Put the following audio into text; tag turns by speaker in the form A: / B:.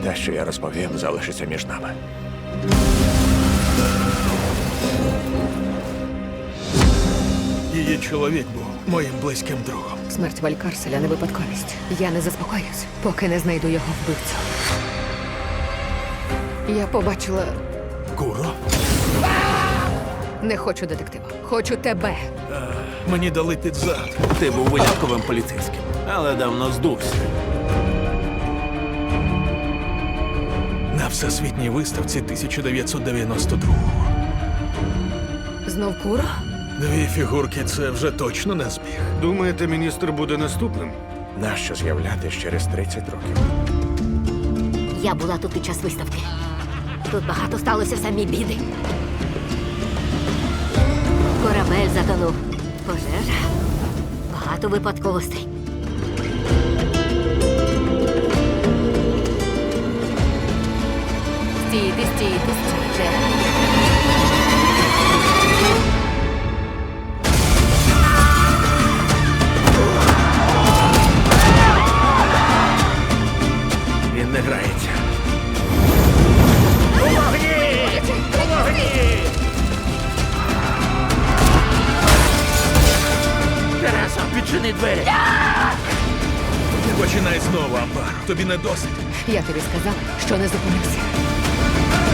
A: Те, що я розповім, залишиться між нами.
B: Її чоловік був моїм близьким другом.
C: Смерть Валькарселя не випадковість. Я не заспокоюсь, поки не знайду його вбивцю. Я побачила...
B: Куро?
C: Не хочу детектива. Хочу тебе.
B: Мені дали під зад.
D: Ти був винятковим поліцейським, але давно здувся.
B: На всесвітній виставці 1992-го.
C: Знов Куро?
B: Дві фігурки – це вже точно не збіг.
E: Думаєте, міністр буде наступним?
A: Нащо з'являтись через 30 років?
F: Я була тут під час виставки. Тут багато сталося самі біди. Корабель затонув. Пожежа. Багато випадковостей.
C: Стійте, стійте, стійте.
A: Він не грається.
D: Тересо, відчини двері!
B: Не починай знову, Амбар. Тобі не досить.
C: Я тобі сказала, що не зупинився.